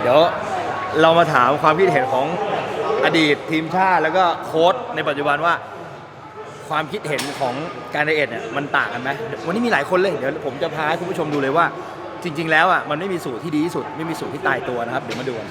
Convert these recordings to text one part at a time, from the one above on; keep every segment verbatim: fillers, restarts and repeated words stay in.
เดี๋ยวเรามาถามความคิดเห็นของอดีตทีมชาติแล้วก็โค้ชในปัจจุบันว่าความคิดเห็นของการไดเอทเนี่ยมันต่างกันไหมวันนี้มีหลายคนเลยเดี๋ยวผมจะพาให้คุณผู้ชมดูเลยว่าจริงๆแล้วอ่ะมันไม่มีสูตรที่ดีที่สุดไม่มีสูตรที่ตายตัวนะครับเดี๋ยวมาดูกัน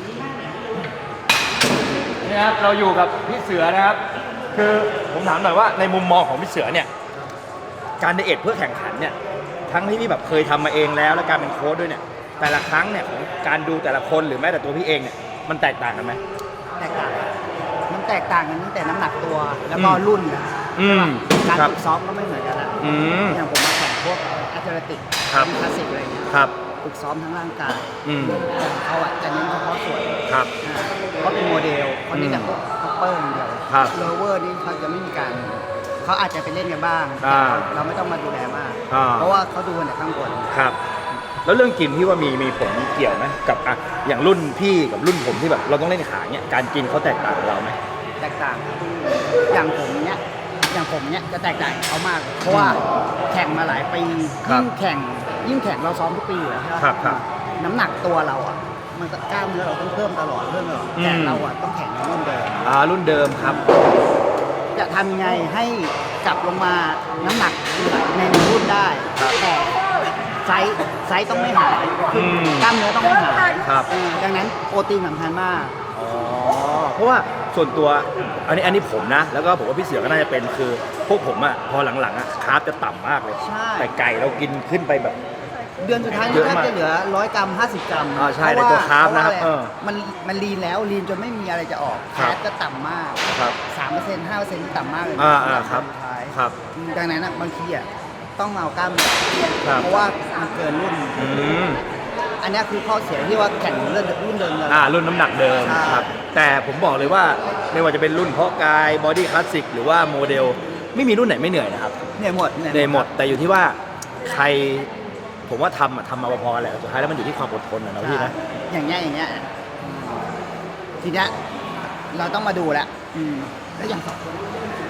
นี่ครับเราอยู่กับพี่เสือนะครับคือผมถามหน่อยว่าในมุมมองของพี่เสือเนี่ยการไดเอทเพื่อแข่งขันเนี่ยทั้งที่พี่แบบเคยทำมาเองแล้วและการเป็นโค้ชด้วยเนี่ยแต่ละครั้งเนี่ยของการดูแต่ละคนหรือแม้แต่ตัวพี่เองเนี่ยมันแตกต่างกันไหมแตกต่างมันแตกต่างกันตั้งแต่น้ำหนักตัวแล้วก็รุ่นนะการฝึกซ้อมก็ไม่เหมือนกันละอย่างผมมาแข่งพวกแอตเลติกคลาสสิกอะไรเงี้ยฝึกซ้อมทั้งร่างกายแต่เขาอ่ะจะเน้นเฉพาะส่วนเขาเป็นโมเดลเขาเน้นแต่พวกคัพเปอร์อย่างเดียวโลเวอร์นี่เขาจะไม่มีการเขาอาจจะไปเล่นกันบ้างเราไม่ต้องมาดูแลมากเพราะว่าเขาดูกันแต่ข้างบนครับแล้วเรื่องกินที่ว่ามีมีผลเกี่ยวไหมกับอ่ะอย่างรุ่นพี่กับรุ่นผมที่แบบเราต้องเล่นขาเนี่ยการกินเขาแตกต่างกับเราไหมแตกต่างอย่างผมเนี้ยอย่างผมเนี้ยจะแตกต่างเขามากเพราะว่าแข่งมาหลายปียิ่งแข่งยิ่งแข่งเราซ้อมทุกปีอยู่แล้วใช่ไหมครับน้ำหนักตัวเราอ่ะมันก็กล้ามเนื้อเราต้องเพิ่มตลอดเพิ่มตลอดแต่เราอ่ะต้องแข่งในรุ่นเดิมอ่ารุ่นเดิมครับจะทำยังไงให้กลับลงมาน้ำหนักในรุ่นได้แต่ไซส์ไซส์ต้องไม่หายกล้ามเนื้อต้องไม่หายดังนั้นโปรตีนสำคัญมากอ๋อเพราะว่าส่วนตัวอันนี้อันนี้ผมนะแล้วก็ผมว่าพี่เสือก็น่าจะเป็นคือพวกผมอ่ะพอหลังๆอ่ะคาร์บจะต่ำมากเลยแต่ไก่เรากินขึ้นไปแบบเดือนสุดท้ายนี่ถ้าจะเหลือร้อยกรัมห้าสิบกรัมอ๋อใช่ในตัวคาร์บนะครับมันมันลีนแล้วลีนจนไม่มีอะไรจะออกแฟตก็ต่ำมากสามเปอร์เซ็นต์ห้าเปอร์เซ็นต์ต่ำมากเลยอ่าอ่าครับครับดังนั้นบางทีอ่ะต้องเอากล้ามเนื้อเพราะว่ามันเกินรุ่นอันนี้คือข้อเสียที่ว่าแข่งเรื่องรุ่นเดิมเลยอ่ารุ่นน้ำหนักเดิมครับแต่ผมบอกเลยว่าไม่ว่าจะเป็นรุ่นเพาะกายบอดี้คลาสสิกหรือว่าโมเดลไม่มีรุ่นไหนไม่เหนื่อยนะครับเหนื่อยหมดเหนื่อยหมดแต่อยู่ที่ว่าใครผมว่าทำอะทำมาพอๆแหละสุดท้ายแล้วมันอยู่ที่ความอดทนนะพี่นะอย่างเงี้ยอย่างเงี้ยทีเนี้ยเราต้องมาดูแหละแล้วอย่างสองคน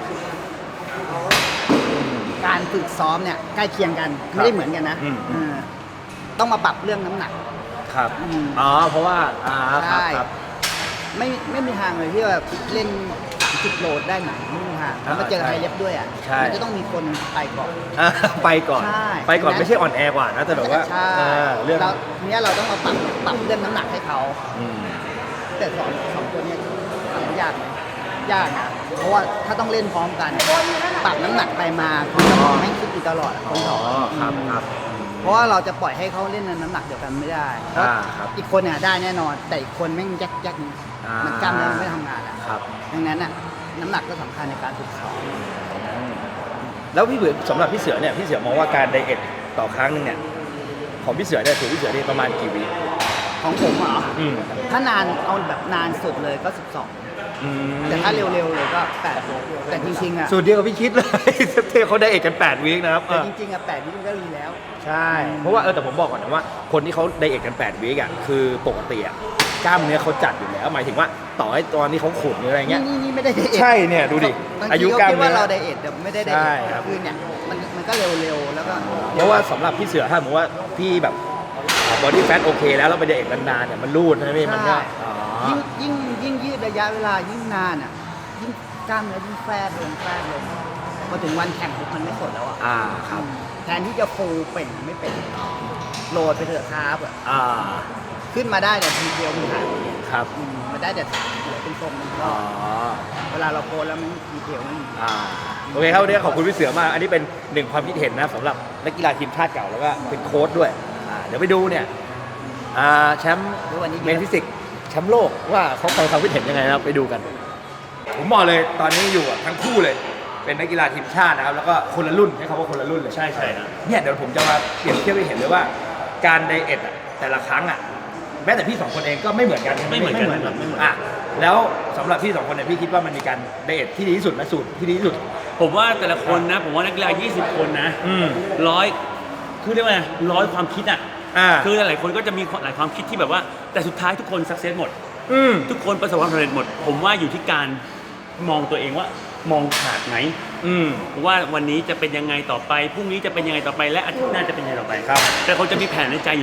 การฝึกซ้อมเนี่ยใกล้เคียงกันไม่ได้เหมือนกันนะต้องมาปรับเรื่องน้ำหนักครับอ๋อเพราะว่าอ่าใช่ไม่ไม่มีทางเลยที่ว่าเล่นสิบโลได้ไหนไม่มีทางแล้วมาเจอไฮเล็บด้วยอ่ะมันจะต้องมีคนไปก่อนไปก่อนไปก่อนไม่ใช่อ่อนแอกว่านะแต่แบบว่าเรื่องเนี้ยเราต้องมาปรับปรับเรื่องน้ำหนักให้เขาแต่สองสองคนเนี้ยทำยากไหมยากนะเพราะว่าถ้าต้องเล่นพร้อมกันปรับน้ำหนักไปมาเขาจะมองไม่คิดอยู่ตลอดคนสองครับครับเพราะว่าเราจะปล่อยให้เขาเล่นน้ำหนักเดียวกันไม่ได้เพราะอีกคนเนี่ยได้แน่นอนแต่อีกคนแม่งยักยักมันกล้ามเนื้อไม่ทำงานอ่ะดังนั้นอ่ะน้ำหนักก็สำคัญในการฝึกซ้อมแล้วพี่เสือสำหรับพี่เสือเนี่ยพี่เสือมองว่าการไดเอทต่อครั้งนึงเนี่ยของพี่เสือเนี่ยถือพี่เสือนี่ประมาณกี่วิของผมเหรอถ้านานเอาแบบนานสุดเลยก็สิบสองแต่ถ้าเร็วๆเลยก็แปดแต่จริงๆอ่ะสูตรเดียวกับพี่คิดเลยเทเขาไดเอทกันแปดวีคนะครับแต่จริงๆอ่ะแปดวีคก็ดีแล้วใช่เพราะว่าเออแต่ผมบอกก่อนนะว่าคนที่เขาไดเอทกันแปดวีคอ่ะคือปกติอ่ะกล้ามเนื้อเขาจัดอยู่แล้วหมายถึงว่าต่อให้ตอนนี้เขาขุดหรืออะไรเงี้ยนี่นี่ไม่ได้ไดเอทใช่เนี่ยดูดิอายุกล้ามเนื้อว่าเราไดเอทแต่ไม่ได้ไดเอทคือเนี่ยมันมันก็เร็วๆแล้วก็เพราะว่าสำหรับพี่เสือถ้าผมว่าพี่แบบบอดี้แฟทโอเคแล้วเราไปไดเอทนานๆเนี่ยมันรูดใช่ไหมมันก็ยิ่งยิ่งยิ่งยืดระยะเวลายิ่งนานอ่ะยิ่งกล้ามเนื้อยิ่งแฟบลงแฟบลงพอถึงวันแข่งปุ๊บมันไม่สดแล้วอ่ะอ่าครับแทนที่จะฟูเป่งไม่เป็นโหลดไปเถอะครับอ่าขึ้นมาได้แต่ทีเดียวมันหายครับมันได้แต่เหลือเป็นทรงมันก็เวลาเราโพสแล้วมันทีเดียวมันอ่าโอเคครับวันนี้ขอบคุณพี่เสือมากอันนี้เป็นหนึ่งความคิดเห็นนะสำหรับนักกีฬาทีมชาติเก่าแล้วก็เป็นโค้ชด้วยอ่าเดี๋ยวไปดูเนี่ยอ่าแชมป์เมนฟิสิกแชมป์โลกว่าเขาใครความคิดเห็นยังไงนะไปดูกันผมบอกเลยตอนนี้อยู่ทั้งคู่เลยเป็นนักกีฬาทีมชาตินะครับแล้วก็คนละรุ่นให้คำว่าคนละรุ่นเลยใช่ใช่นะเนี่ยเดี๋ยวผมจะมาเปรียบเทียบให้เห็นเลยว่าการไดเอทแต่ละครั้งอ่ะแม้แต่พี่สองคนเองก็ไม่เหมือนกันไม่เหมือนกันไม่เหมือนอ่ะแล้วสำหรับพี่สองคนเนี่ยพี่คิดว่ามันมีการไดเอทที่ดีที่สุดไหมสูตรที่ดีที่สุดผมว่าแต่ละคนนะผมว่านักกีฬายี่สิบคนนะร้อยคือเรียกว่าร้อยความคิดอ่ะคือหลายคนก็จะมีหลายความคิดที่แบบว่าแต่สุดท้ายทุกคนสักเซสหมดทุกคนประสบความสำเร็จหมดผมว่าอยู่ที่การมองตัวเองว่ามองขาดไหนว่าวันนี้จะเป็นยังไงต่อไปพรุ่งนี้จะเป็นยังไงต่อไปและอาทิตย์หน้าจะเป็นยังไงต่อไปครับแต่เขาจะมีแผนในใจอยู่แล้ว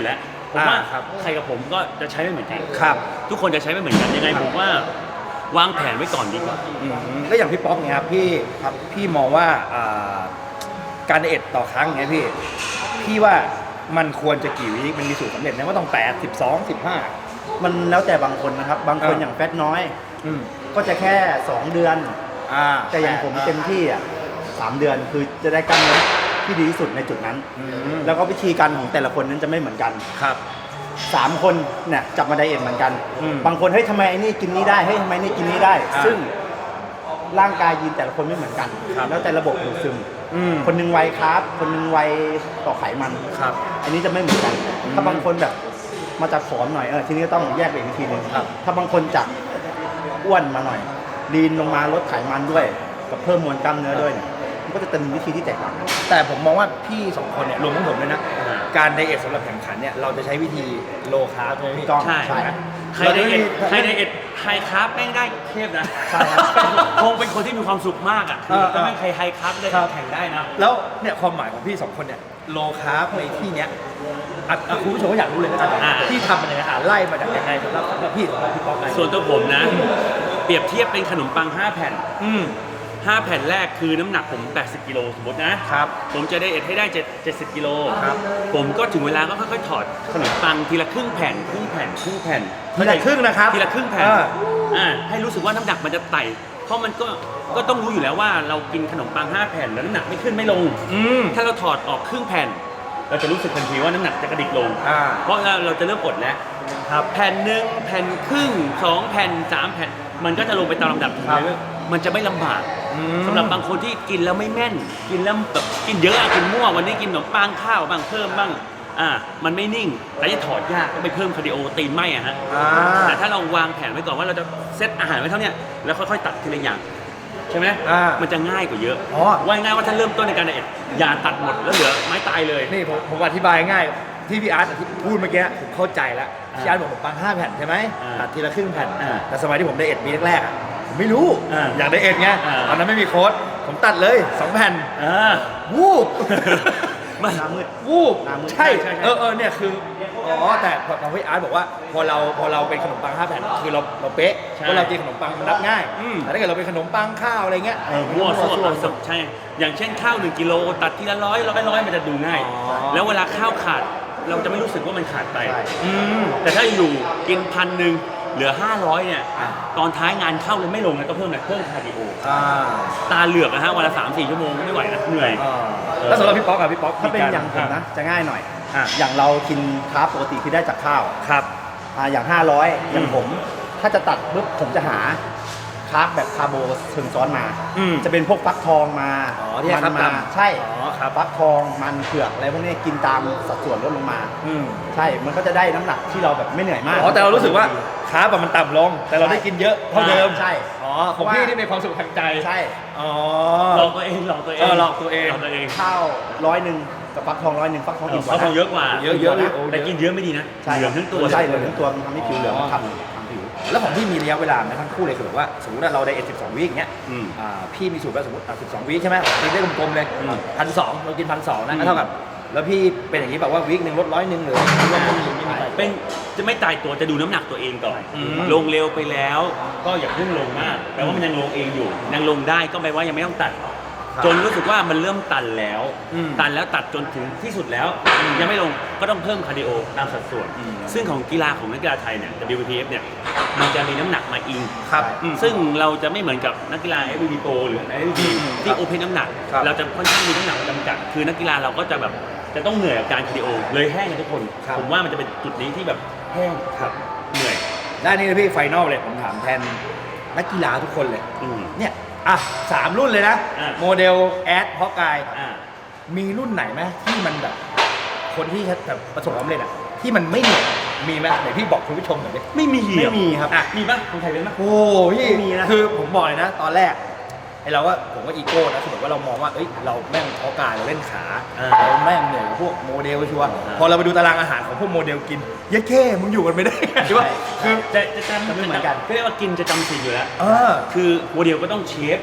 ผมว่าอ่าครับใครกับผมก็จะใช้ไม่เหมือนกันครับทุกคนจะใช้ไม่เหมือนกันยังไงผมว่าวางแผนไว้ก่อนดีกว่าอืมแล้วอย่างพี่ป๊อกเนี่ยครับพี่ครับพี่มองว่าอ่าการไดเอทต่อครั้งเนี่ยพี่พี่ว่ามันควรจะกี่วิมันมีสูตรสำเร็จไหมว่าต้องแปด สิบสอง สิบห้ามันแล้วแต่บางคนนะครับ บางคนอ่าอย่างแฟตน้อยอืมก็จะแค่ สอง เดือนอ่าแต่อย่างผมเต็มที่อ่ะสามเดือนคือจะได้กล้ามเนื้อที่ดีที่สุดในจุดนั้นอืมแล้วก็วิธีการของแต่ละคนนั้นจะไม่เหมือนกันครับสามคนเนี่ยจับมาไดเอทเหมือนกันอืมบางคนเฮ้ยทำไมไอ้นี่กินนี้ได้เฮ้ยทำไมนี่กินนี้ได้อ่าซึ่งร่างกายยีนแต่ละคนไม่เหมือนกันครับแล้วแต่ระบบดูดซึมอืมคนหนึงไวคาร์บคนหนึงไวต่อไขมันครับอันนี้จะไม่เหมือนกันอืมถ้าบางคนแบบมาจากผอมหน่อยเออทีนี้ก็ต้องแยกไปอีกวิธีหนึงครับถ้าบางคนจากอ้วนมาหน่อยลีนลงมาลดไขมันด้วยกับเพิ่มมวลกล้ามเนื้อด้วยเนี่ยมันก็จะเป็นวิธีที่แตกต่างกันแต่ผมมองว่าพี่สองคนเนี่ยรวมทั้งผมเลยนะอ่าการไดเอทสำหรับแข่งขันเนี่ยเราจะใช้วิธีโลคาร์บใช่ไหมพี่ถูกต้องใช่ใช่ใครไดเอทใครไดเอทไฮคาร์บแม่งได้เทพนะใช่ครับคงเป็นคนที่มีความสุขมากอ่ะเออถ้าไม่ใครไฮคาร์บได้ครับแข่งได้นะแล้วเนี่ยความหมายของพี่สองคนเนี่ยโลคาร์บในที่เนี้ยอ่ะอ่ะคุณผู้ชมก็อยากรู้เลยนะอ่าพี่ทำมันยังไงอ่ะไล่มาจากยังไงสำหรับสำหรับพี่สำหรับพี่ป๊อกไงส่วนตัวผมนะ เปรียบเทียบเป็นขนมปัง ห้า แผ่นอืมห้า แผ่นแรกคือน้ำหนักผม แปดสิบ กิโลสมมตินะครับผมจะไดเอทให้ได้7 70 กิโลครับผมก็ถึงเวลาก็ค่อยๆถอดขนมปังทีละครึ่งแผ่น ครึ่งแผ่น ครึ่งแผ่นทีละครึ่งนะครับทีละครึ่งแผ่นเอออ่าให้รู้สึกว่าน้ำหนักมันจะไต่ เพราะมันก็ก็ต้องรู้อยู่แล้วว่าเรากินขนมปัง ห้า แผ่นแล้วน้ำหนักไม่ขึ้นไม่ลงอืมถ้าเราถอดออกครึ่งแผ่น เราจะรู้สึกทันทีว่าน้ำหนักจะกระดิกลงอ่าเพราะเราเราจะเริ่มอดแล้วครับแผ่นหนึ่งแผ่นครึ่งสองแผ่นสามแผ่น มันก็จะลงไปตามลำดับครับมันจะไม่ลำบากอืมสำหรับบางคนที่กินแล้วไม่แม่น กินแล้วแบบกินเยอะอะกินมั่ววันนี้กินขนมปังข้าวบ้างเพิ่มบ้างอ่ามันไม่นิ่งแต่จะถอดยากก็ไปเพิ่มคาร์ดิโอตีนไหมอะฮะอ่าแต่ถ้าเราวางแผนไว้ก่อนว่าเราจะเซตอาหารไว้เท่าเนี้ยแล้วค่อยๆตัดทีละอย่างใช่ไหมอ่ามันจะง่ายกว่าเยอะอ๋อว่าง่ายว่าถ้าเริ่มต้นในการไดเอทอย่าตัดหมดแล้วเหลือไม้ตายเลยนี่ผมผมอธิบายง่ายที่พี่อาร์ตที่พูดเมื่อกี้ผมเข้าใจแล้วอ่าพี่อาร์ตบอกผมปังห้าแผ่นใช่ไหมอ่าตัดทีละครึ่งแผ่นอ่าแต่สมัยที่ผมไดเอทปีแรกๆอ่ะผมไม่รู้อ่าอยากไดเอทไงอ่าตอนนั้นไม่มีโค้ดผมตัดเลยสองแผ่นอ่าวูบมันหน้ามืดวูบหน้ามืดใช่ใช่ใช่เออเออเนี่ยคืออ๋อแต่พอพอพี่อาร์ตบอกว่าพอเราพอเราเป็นขนมปังห้าแผ่นคือเราเราเป๊ะเพราะเรากินขนมปังมันนับง่ายอืมแต่ถ้าเกิดเราเป็นขนมปังข้าวอะไรเงี้ยเออมั่วซั่วมั่วตัดใช่ อย่างเช่นข้าวหนึ่งกิโลตัดทีละร้อยร้อยร้อยมันจะดูง่ายอ๋อแล้วเวลาข้าวขาดเราจะไม่รู้สึกว่ามันขาดไปใช่อืมแต่ถ้าอยู่กินพันหนึ่งเหลือห้าร้อยเนี่ยอ่ะตอนท้ายงานเข้าเลยไม่ลงนะต้องเพิ่มอะไรเพิ่มคาร์ดิโออ่าตาเหลือกนะฮะวันละสามสี่ชั่วโมงไม่ไหวนะเหนื่อยอ่าแล้วสำหรับพี่ป๊อกอะพี่ป๊อกถ้าเป็นมีกรอย่างผมนะจะง่ายหน่อยอ่ะอย่างเรากินคาร์บปกติที่ได้จากข้าวครับอ่าอย่าง ห้าร้อย อย่างผม ถ้าจะตัดปุ๊บผมจะหาคาร์บแบบคาร์โบเชิงซ้อนมาอืมจะเป็นพวกฟักทองมาอ๋อที่ให้มัครับมาตามใช่อ๋อครับฟักทองมันเผือกอะไรพวกนี้กินตามสัดส่วนลดลงมาอืมใช่มันก็จะได้น้ำหนักที่เราแบบไม่เหนื่อยมากอ๋อแต่เรารู้สึกว่าคาร์บอะมันต่ำลง แต่เราได้กินเยอะเท่าเดิมใช่อ๋อของพี่ที่มีความสุขทางใจใช่อ๋อหลอกตัวเองหลอกตัวเองเออหลอกตัวเองหลอกตัวเองข้าวร้อยหนึ่งกับฟักทองร้อยหนึ่งฟักทองอิ่มกเขาว่าทองเยอะกว่าเยอะเยอะโอ้แต่กินเยอะไม่ดีนะใช่เหลืองทั้งตัวใช่เหลืองทั้งตัวมันทำให้ผิวเหลืองอ๋อทำทำผิวแล้วของพี่มีระยะเวลาไหมทั้งคู่เลยคือแบบว่าสมมติว่าเราได้เอทสิบสองวิอย่างเงี้ยอืมอ่าพี่มีสูตรว่าสมมติสิบสองวิใช่ไหมกินได้กลมๆเลยอืมพันสองเรากินพันสองนะอืมก็เท่ากับ แล้วพี่เป็นอย่างนี้แบบว่าวิกหนึ่งลดร้อยหนึ่งหรือไม่มีไม่มีไม่มีเป็นจะไม่ตายตัวจะดูน้ำหนักตัวเองก่อนอืมลงเร็วไปแล้ว ก็อย่าเพิ่งลงมากแปลว่ามันยังลงเองอยู่ยังลงได้ก็แปลว่ายังไม่ต้องตัดครับจนรู้สึกว่ามันเริ่มตันแล้วอืมตันแล้วตัดจนถึงที่สุดแล้ว ยังไม่ลงก็ต้องเพิ่มคาร์ดิโอตามสัดส่วนอืมซึ่งของกีฬาของนักกีฬาไทยเนี่ย ดับเบิล พี เอฟ เนี่ยมันจะมีน้ำหนักมาอิงครับอืมซึ่งเราจะไม่เหมือนกับนักกีฬา เอฟ วี พี Pro หรือ เอฟ วี พี ที่โอเพนน้ำหนักครับเราจะค่อนข้างมีน้ำหนักจำกัด คือนักกีฬาเราก็จะแบบจะต้องเหนื่อยกับการคาร์ดิโอเลยแห้งกันทุกคนครับผมว่ามันจะเป็นจุดนี้ที่แบบแห้งครับเหนื่อยด้านนี้นะพี่ไฟนอลเลยผมถามแทนนักกีฬาทุกคนเลยอืมเนี่ยอ่ะสามรุ่นเลยนะอ่ะโมเดลแอดเพาะกายอ่ามีรุ่นไหนไหมที่มันแบบ คนที่แบบประสบความสำเร็จอะที่มันไม่เหนื่อยมีไหมไหนพี่บอกคุณผู้ชมหน่อยดิไม่มีไม่มีครับอ่ะมีปะคนไทยเป็นปะโอ้พี่ไม่มีนะคือผมบอกเลยนะ ตอนแรกไอเราก็ผมก็อีโก้นะคือแบบว่าเรามองว่าเอ้ยเราแม่งเพาะกายเราเล่นขาอ่าเราแม่งเหนื่อยกับพวกโมเดลชัวร์อ่าพอเราไปดูตารางอาหารของพวกโมเดลกินเย้แค่มึงอยู่กันไม่ได้ใช่ปะคือจะจะจำจะไม่เหมือนกันเรียกว่ากินจะจำศีลอยู่แล้วเออคือโมเดลก็ต้องเชฟ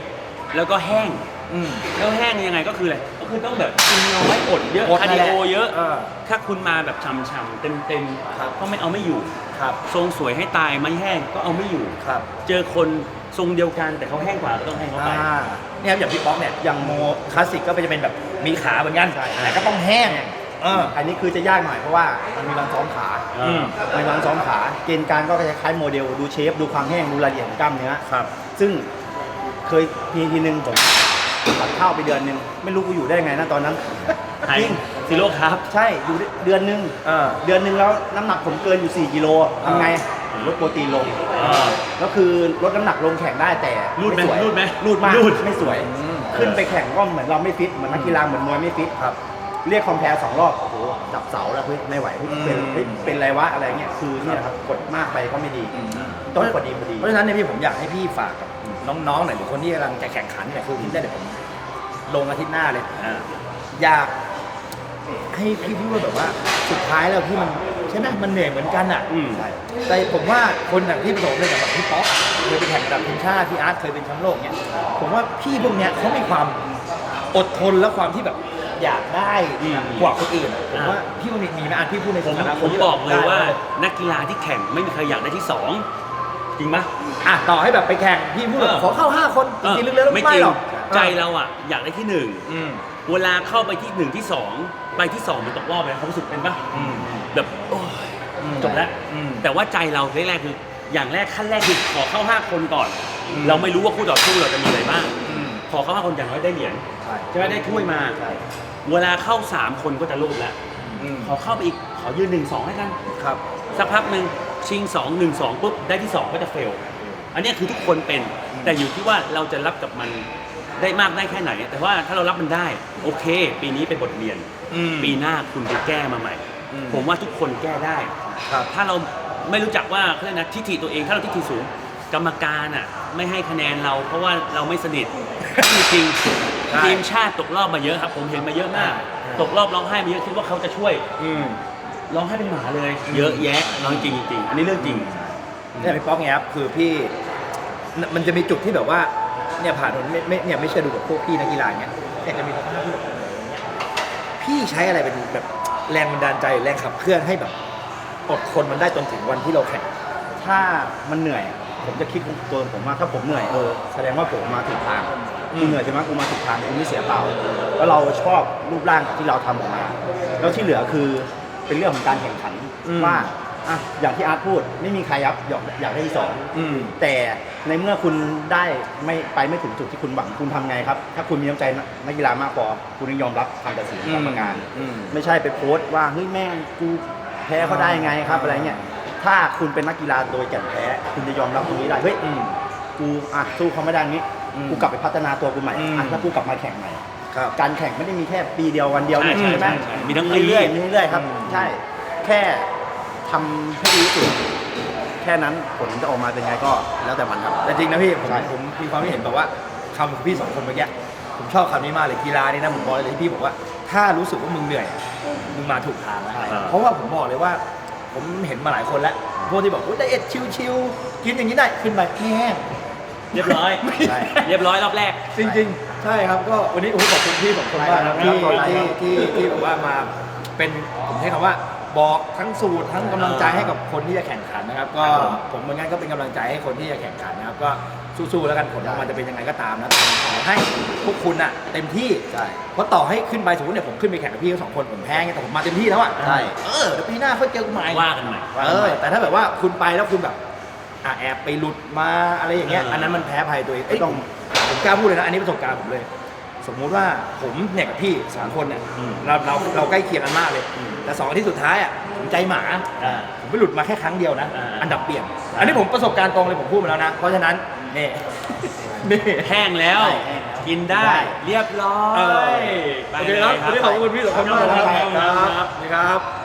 แล้วก็แห้งอืมแล้วแห้งยังไงก็คืออะไรก็คือต้องแบบกินน้อยอดเยอะอดคานั่ร์นดิแหละโอเยอะเออถ้าคุณมาแบบช่ำๆเต็มครับๆก็ไม่เอาไม่อยู่ครับทรงสวยให้ตายไม่แห้งก็เอาไม่อยู่ครับเจอคนทรงเดียวกันแต่เขาแห้งกว่าก็ต้องให้เขาไปอ่าเนี่ยครับอย่างพี่ป๊อกเนี่ยอย่างโมคลาสสิกก็จะเป็นแบบมีขาเหมือนกันใช่แต่ก็ต้องแห้งเอออันนี้คือจะยากหน่อยเพราะว่ามันมีวันซ้อมขาอืมมีวันซ้อมขา เกณฑ์การก็จะคล้ายโมเดลดูเชฟดูความแห้งดูรายละเอียดของกล้ามเนื้อครับซึ่งเคยมีทีนึงผมตัดข้าวไปเดือนนึงไม่รู้กูอยู่ได้ไงนะตอนนั้นไฮจริงซีโร่ครับใช่อยู่ได้เดือนนึงเออเดือนนึงแล้วน้ำหนักผมเกินอยู่สี่กิโลทำไงผมลดโปรตีนลง แล้วคือลดน้ำหนักลงแข่งได้แต่รูดไหมสวยรูดไหมรูดมากรูดไม่สวยอืมขึ้นไปแข่งก็เหมือนเราไม่ฟิตเหมือนนักกีฬาเหมือนมวยไม่ฟิตครับเรียกคอมแพร์สองรอบโอ้โหจับเสาแล้วเฮ้ยไม่ไหวเฮ้ยเป็นอืมเฮ้ยเป็นไรวะอะไรเงี้ยคือเนี่ยครับกดมากไปก็ไม่ดีต้องพอดีพอดีเพราะฉะนั้นเนี่ยพี่ผมอยากให้พี่ฝากกับน้องๆหน่อยหรือคนที่กำลังจะแข่งขันเนี่ยคือพี่ได้เดี๋ยวผมลงอาทิตย์หน้าเลยอ่าอยากให้พี่พี่ว่าแบบว่าสุดท้ายแล้วพี่มันใช่ไหมมันเหนื่อยเหมือนกันอ่ะอืมใช่แต่ผมว่าคนอย่างที่ประสบเลยแบบพี่ป๊อกเคยไปแข่งระดับทีมชาติพี่อาร์ตเคยเป็นแชมป์โลกเนี่ยผมว่าพี่พวกเนี้ยเขามีความอดทนและความที่แบบอยากได้อืมกว่าคนอื่นอะผมอ่าว่าพี่มันมีมีไหมอาร์ตพี่พูดในผมฐานะคผนมที่บอกเลยว่าได้นักกีฬาที่แข่งไม่มีใครอยากได้ที่สองจริงปะอ่ะต่อให้แบบไปแข่งพี่พูดแบบเออขอเข้าห้าคนจริงๆลึกๆแล้วไม่ไม่จริงหรอกใจเราอ่ะอยากได้ที่หนึ่งอืมเวลาเข้าไปที่หนึ่งที่สองไปที่สองมันตกรอบเลยความรู้สึกเป็นปะอืมแบบโอ้ยอืมจบแล้วอืมแต่ว่าใจเราแรกๆคืออย่างแรกขั้นแรกคือขอเข้าห้าคนก่อนอืมเราไม่รู้ว่าคู่ต่อสู้เราจะมีอะไรบ้างอืมขอเข้าห้าคนอย่างน้อยได้เหรียญใช่ใช่ไหมได้ถ้วยมาใช่เวลาเข้าสามคนก็จะโลภแล้วอืมขอเข้าไปอีกขอยืนหนึ่งสองให้กันครับสักพักหนึ่งชิงสองหนึ่งสองปุ๊บได้ที่สองก็จะเฟล อันเนี้ยคือทุกคนเป็น แต่อยู่ที่ว่าเราจะรับกับมันได้มากได้แค่ไหน แต่ว่าถ้าเรารับมันได้ โอเค ปีนี้เป็นบทเรียนอืมปีหน้าคุณไปแก้มาใหม่อืมผมว่าทุกคนแก้ได้ครับถ้าเราไม่รู้จักว่าเขาเรียกนะทิฐิตัวเองถ้าเราทิฐิสูง กรรมการอ่ะไม่ให้คะแนนเรา เพราะว่าเราไม่สนิท จริงใช่ๆทีมชาติตกรอบมาเยอะครับ ผมเห็นมาเยอะมากใช่ตกรอบร้องไห้มาเยอะคิดว่าเขาจะช่วยอืมร้องไห้เป็นหมาเลย เยอะแยะร้องจริงจริงๆอันนี้เรื่องจริงเนี่ยพี่ป๊อกเนี่ยครับคือพี่มันจะมีจุดที่แบบว่าเนี่ยผ่านไม่ไม่เนี่ยไม่เชื่อดูกับพวกพี่นักกีฬาเนี่ยเนี่ยจะมีสภาพที่แบบพี่ใช้อะไรเป็นแบบแรงบันดาลใจแรงขับเคลื่อนให้แบบอดทนมันได้จนถึงวันที่เราแข่งถ้ามันเหนื่อย ผมจะคิดตัวผมว่าถ้าผมเหนื่อยเออแสดงว่าผมมาถูกทางอืมกูเหนื่อยใช่ไหมกูมาถูกทางกูไม่เสียเปล่าแล้วเราชอบรูปร่างที่เราทำออกมา แล้วที่เหลือคือเป็นเรื่องของการแข่งขันว่าอ่ะอย่างที่อาร์ตพูดไม่มีใครยับอยากอยากได้ที่สองอืมแต่ในเมื่อคุณได้ไม่ไปไม่ถึงจุดที่คุณหวังคุณทำไงครับ ถ้าคุณมีน้ำใจนักกีฬามากพอคุณต้องยอมรับคำตัดสินของกรรมการอืมไม่ใช่ไปโพสต์ว่าเฮ้ยแม่งกูแพ้เขาได้ไงครับอะไรเงี้ยถ้าคุณเป็นนักกีฬาโดยแก่นแท้คุณจะยอมรับตรงนี้ได้เฮ้ยอืมกูอ่ะสู้เขาไม่ได้นี้อืมกูกลับไปพัฒนาตัวกูใหม่อืมอ่ะถ้ากูกลับมาแข่งใหม่ครับการแข่งไม่ได้มีแค่ปีเดียววันเดียวนี่ใช่ใช่ไหมใช่ใช่มีทั้งปีเรื่อยๆมีเรื่อยๆครับอืมใช่แค่ทำให้ดีที่สุดแค่นั้นผลจะออกมาเป็นไงก็แล้วแต่มันครับแต่จริงนะพี่ผมใช่ผมมีความคิดเห็นแบบว่าคำของพี่สองคนเมื่อกี้ผมชอบคำนี้มากเลยกีฬานี่นะผมบอกเลยที่พี่บอกว่า ถ้ารู้สึกว่ามึงเหนื่อยมึงมาถูกทางแล้วใช่เพราะว่าผมบอกเลยว่า ผมเห็นมาหลายคนแล้วพวกที่บอกว่าไดเอทชิวๆกินอย่างนี้ได้ขึ้นไปไม่แห้งเรียบร้อยใช่เรียบร้อยรอบแรกจริงๆ ใช่ครับก็วันนี้โอ้โหขอบคุณพี่สองคนมากครับใช่ที่ครับที่ที่ที่แบบว่ามาเป็นผมใช้คำว่าบอกทั้งสูตรทั้งกำลังใจให้กับคนที่จะแข่งขันนะครับ ก็ผมเหมือนกันก็เป็นกำลังใจให้คนที่จะแข่งขันนะครับก็สู้ๆแล้วกันผลออกมาจะเป็นยังไงก็ตามนะขอให้พวกคุณอะเต็มที่ใช่เพราะต่อให้ขึ้นไปสมมติเนี่ยผมขึ้นไปแข่งกับพี่ทั้งสองคนผมแพ้ไงแต่ผมมาเต็มที่แล้วอะใช่เออเดี๋ยวปีหน้าค่อยเจอกันใหม่ว่ากันใหม่เออแต่ถ้าแบบว่าคุณไปแล้วคุณแบบอ่ะแอบไปหลุดมาอะไรอย่างเงี้ยเอออัอันนั้นมันแพ้ภัยตัวเองเอ้ยต้องผมกล้าพูดเลยนะอันนี้ประสบการณ์ผมเลย สมมุติว่าผมเนี่ยกับพี่สามคนเนี่ยอืมเราเราเราใกล้เคียงกันมากเลยอืมแต่สองอาที่สุดท้ายอ่ะผมใจหมาอ่าผมไปหลุดมาแค่ครั้งเดียวนะอ่าอันดับเปลี่ยน อันนี้ผมประสบการณ์ตรงเลยผมพูดมาแล้วนะ เพราะฉะนั้นนี่ นี่แห้งแล้วใช่แห้งแล้วกินได้ได้เรียบร้อเออยไปโอเคครับลยวันนี้ขอบคุณพี่สองคนมากนะครับครับครับนี่ครับ